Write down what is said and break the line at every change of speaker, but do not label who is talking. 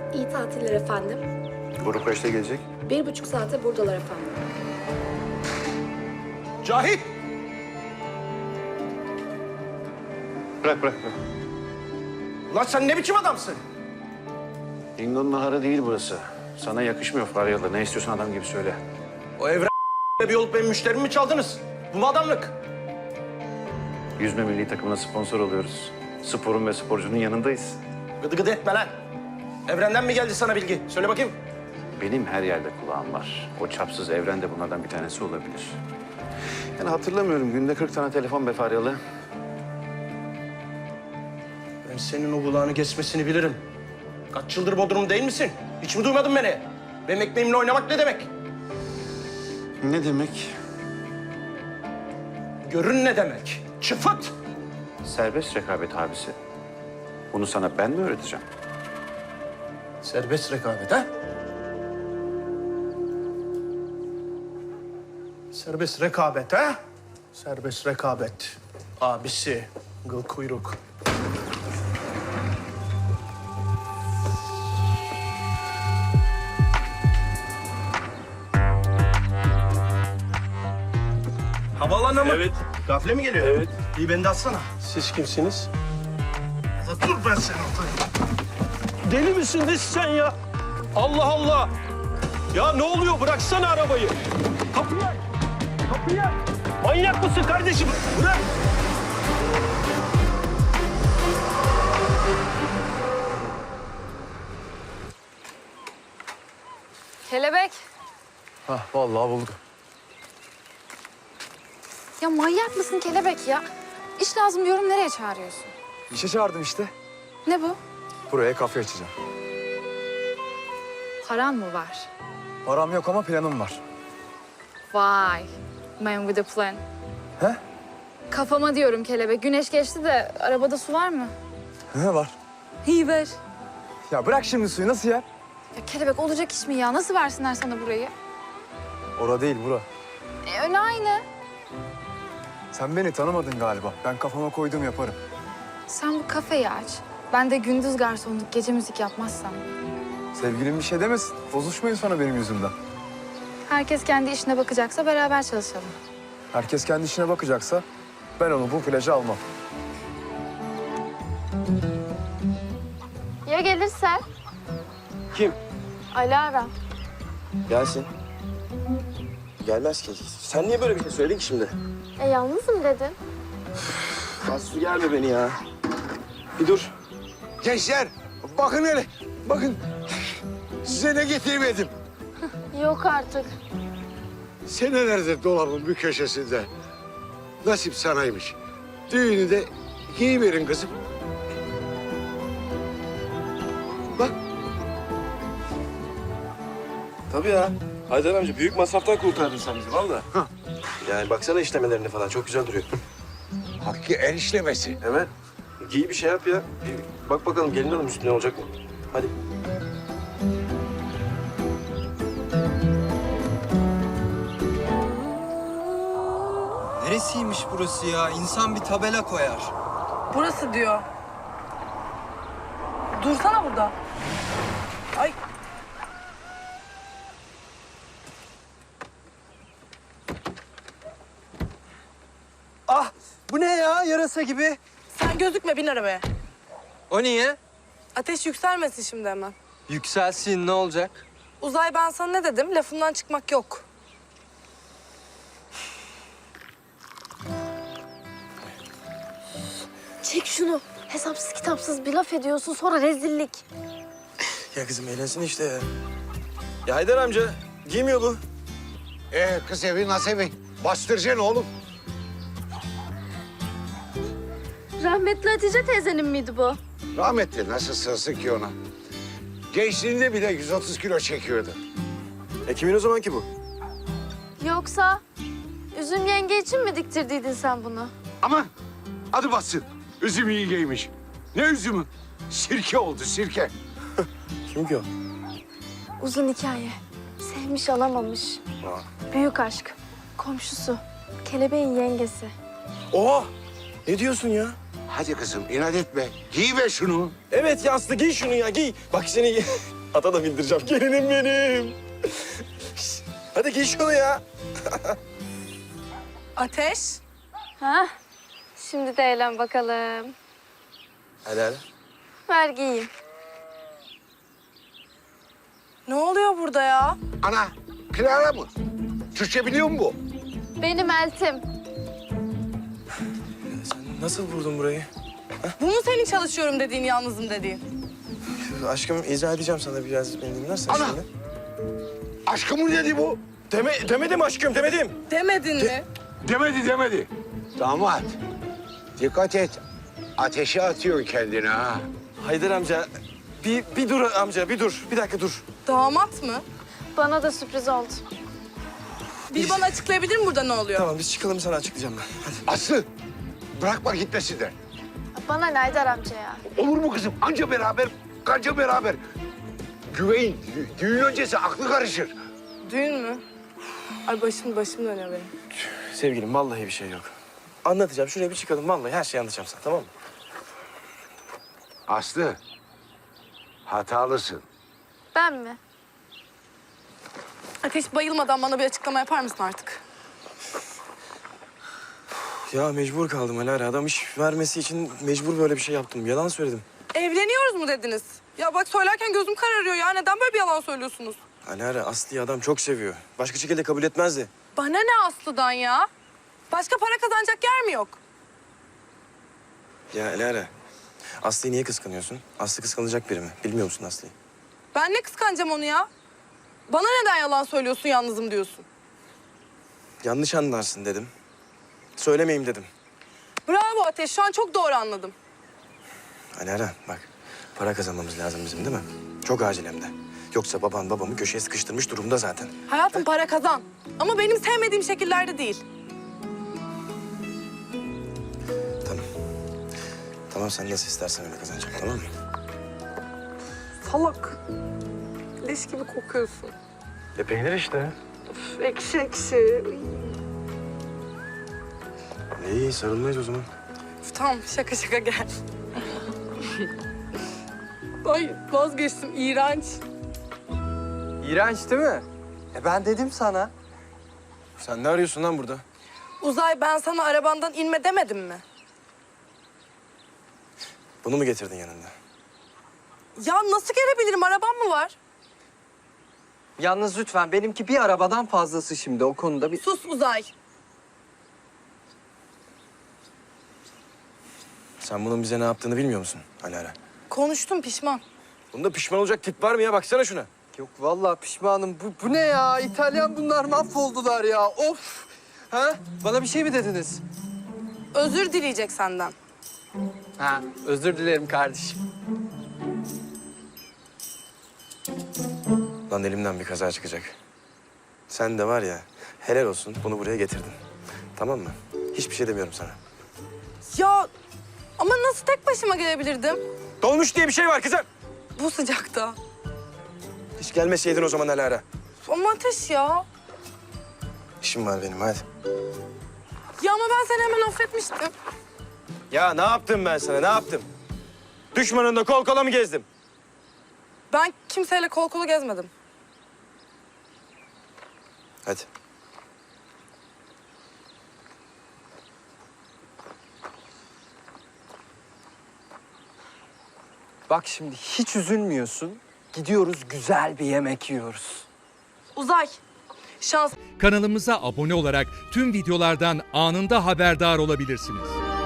İyi tatiller efendim.
Grup kaçta gelecek?
1,5 saate buradalar efendim.
Cahit!
Bırak.
Ulan sen ne biçim adamsın?
Dingo'nun naharı değil burası. Sana yakışmıyor Faryalı. Ne istiyorsan adam gibi söyle.
O evren bir olup benim müşterimi mi çaldınız? Bu mu adamlık?
Yüzme milli takımına sponsor oluyoruz. Sporun ve sporcunun yanındayız.
Gıdı gıdı etme lan. Evrenden mi geldi sana bilgi? Söyle bakayım.
Benim her yerde kulağım var. O çapsız evren de bunlardan bir tanesi olabilir. Yani hatırlamıyorum. Günde 40 tane telefon be Faryalı.
Ben senin o kulağını kesmesini bilirim. Kaç yıldır Bodrum değil misin? Hiç mi duymadın beni? Benim ekmeğimle oynamak ne demek?
Ne demek?
Görün ne demek? Çıfıt!
Serbest rekabet abisi. Bunu sana ben mi öğreteceğim?
Serbest rekabet ha? Serbest rekabet ha? Serbest rekabet. Abisi, gıl kuyruk. Havaalanına mı?
Evet.
Gafle mi geliyor?
Evet.
İyi beni de atsana. Siz kimsiniz? Dur ben seni atayım.
Deli misin sen ya? Allah Allah! Ya ne oluyor? Bıraksana arabayı. Kapıyı aç! Kapıyı aç! Manyak mısın kardeşim? Bırak!
Kelebek.
Hah, vallahi buldum.
Ya manyak mısın kelebek ya? İş lazım diyorum, nereye çağırıyorsun?
İşe çağırdım işte.
Ne bu?
Buraya kafe açacağım.
Paran mı var?
Param yok ama planım var.
Vay. Man with a plan.
He?
Kafama diyorum kelebek. Güneş geçti de arabada su var mı?
Ne var?
İyi ver.
Ya bırak şimdi suyu, nasıl yer?
Ya kelebek olacak iş mi ya? Nasıl versinler sana burayı?
Ora değil, bura.
Öyle aynı.
Sen beni tanımadın galiba. Ben kafama koyduğum yaparım.
Sen bu kafeyi aç. Ben de gündüz garsonluk, gece müzik yapmazsam.
Sevgilim bir şey demesin. Bozuşmayın sonra benim yüzümden.
Herkes kendi işine bakacaksa beraber çalışalım.
Herkes kendi işine bakacaksa ben onu bu plaja almam.
Ya gelirse?
Kim?
Alara.
Gelsin. Gelmez ki. Sen niye böyle bir şey söyledin ki şimdi?
Yalnızım dedin.
Aslı gelme beni ya. Bir dur.
Gençler, bakın hele. Bakın. Size ne getirmedim.
Yok artık.
Senelerdir dolabın bir köşesinde. Nasip sanaymış. Düğünü de giyiverin kızım. Bak.
Tabii ya. Haydar amca büyük masraftan kurtardın sen bizi valla. Yani baksana işlemelerine falan çok güzel duruyor.
Hakkı el işlemesi.
Evet. Giy bir şey yap ya. Bak bakalım gelin hanım üstüne olacak mı? Hadi.
Neresiymiş burası ya? İnsan bir tabela koyar.
Burası diyor. Dursana burada. Ay.
Ah! Bu ne ya? Yarasa gibi.
Sen gözükme, bin arabaya.
O niye?
Ateş yükselmesin şimdi hemen.
Yükselsin, ne olacak?
Uzay, ben sana ne dedim? Lafımdan çıkmak yok.
Çek şunu. Hesapsız kitapsız bir laf ediyorsun, sonra rezillik.
Ya kızım eğlensin işte ya. Ya Haydar amca giymiyor bu.
Kız evi nasıl evi? Bastıracaksın oğlum.
Rahmetli Hatice teyzenin miydi bu?
Rahmetli nasıl sığsın ki ona? Gençliğinde bile 130 kilo çekiyordu.
Kimin o zaman ki bu?
Yoksa Üzüm yenge için mi diktirdiydin sen bunu?
Aman adı bassın. Üzüm iyi giymiş. Ne üzümü? Sirke oldu sirke.
Kim ki o?
Uzun hikaye. Sevmiş alamamış. Büyük aşk. Komşusu. Kelebeğin yengesi.
Oha! Ne diyorsun ya?
Hadi kızım inat etme. Giy be şunu.
Evet ya Aslı giy şunu ya giy. Bak seni
Ata da bindireceğim. Gelinim benim. Hadi giy şunu ya.
Ateş.
Ha? Şimdi de eğlen bakalım.
Hadi hadi.
Ver giyeyim.
Ne oluyor burada ya?
Ana, Clara mı? Türkçe biliyor mu bu?
Benim eltim.
Sen nasıl buldun burayı?
Bu mu senin çalışıyorum dediğin, yalnızım dediğin?
Aşkım izah edeceğim sana biraz beni dinlersen
Ana!
şimdi.
Aşkı mı dedi bu?
Demedim aşkım demedim.
Demedin mi?
Demedi. Damat, dikkat et. Ateşe atıyor kendini ha.
Haydar amca bir dur amca bir dur. Bir dakika dur.
Damat mı?
Bana da sürpriz oldu.
Bir bana açıklayabilir mi burada ne oluyor?
Tamam biz çıkalım sana açıklayacağım ben. Hadi.
Aslı, bırakma gitmesinler.
Bana ne Haydar amca ya?
Olur mu kızım? Anca beraber, kanca beraber. Güveyin, düğün öncesi aklı karışır.
Düğün mü? Ay başım dönüyor benim.
Sevgilim vallahi bir şey yok. Anlatacağım şuraya bir çıkalım vallahi her şeyi anlatacağım sana tamam mı?
Aslı, hatalısın.
Ben mi?
Ateş, bayılmadan bana bir açıklama yapar mısın artık?
Ya mecbur kaldım Alara. Adam iş vermesi için mecbur böyle bir şey yaptım. Yalan söyledim.
Evleniyoruz mu dediniz? Ya bak söylerken gözüm kararıyor ya. Neden böyle bir yalan söylüyorsunuz?
Alara Aslı'yı adam çok seviyor. Başka şekilde kabul etmezdi.
Bana ne Aslı'dan ya? Başka para kazanacak yer mi yok?
Ya Alara Aslı'yı niye kıskanıyorsun? Aslı kıskanılacak biri mi? Bilmiyor musun Aslı'yı?
Ben ne kıskanacağım onu ya? Bana neden yalan söylüyorsun, yalnızım diyorsun?
Yanlış anlarsın dedim. Söylemeyeyim dedim.
Bravo Ateş, şu an çok doğru anladım.
Alara bak para kazanmamız lazım bizim değil mi? Çok acil hem de. Yoksa baban babamı köşeye sıkıştırmış durumda zaten.
Hayatım para kazan. Ama benim sevmediğim şekillerde değil.
Tamam. Tamam sen nasıl istersen öyle kazanacağım tamam mı?
Salak. Leş gibi kokuyorsun.
Peynir işte.
Üf, ekşi ekşi.
İyi sarılmayız o zaman.
Üf, tamam şaka gel. Ay vazgeçtim, iğrenç.
İğrenç değil mi? Ben dedim sana.
Sen ne arıyorsun lan burada?
Uzay, ben sana arabandan inme demedim mi?
Bunu mu getirdin yanında?
Ya nasıl gelebilirim, arabam mı var?
Yalnız lütfen benimki bir arabadan fazlası şimdi o konuda bir...
Sus Uzay.
Sen bunun bize ne yaptığını bilmiyor musun Alara?
Konuştum, pişman.
Bunda pişman olacak tip var mı ya? Baksana şuna.
Yok vallahi pişmanım. Bu ne ya? İtalyan bunlar mahvoldular ya. Of! Ha? Bana bir şey mi dediniz?
Özür dileyecek senden.
Ha, özür dilerim kardeşim.
Lan elimden bir kaza çıkacak. Sen de var ya helal olsun bunu buraya getirdin. Tamam mı? Hiçbir şey demiyorum sana.
Ya ama nasıl tek başıma gelebilirdim?
Dolmuş diye bir şey var kızım.
Bu sıcakta.
Hiç gelmeseydin o zaman Alara.
Ama Ateş ya.
İşim var benim hadi.
Ya ama ben seni hemen affetmiştim.
Ya ne yaptım ben sana ne yaptım? Düşmanınla kol kola mı gezdim?
Ben kimseyle kol kola gezmedim.
Hadi.
Bak şimdi hiç üzülmüyorsun. Gidiyoruz güzel bir yemek yiyoruz.
Uzay, şans
Kanalımıza abone olarak tüm videolardan anında haberdar olabilirsiniz.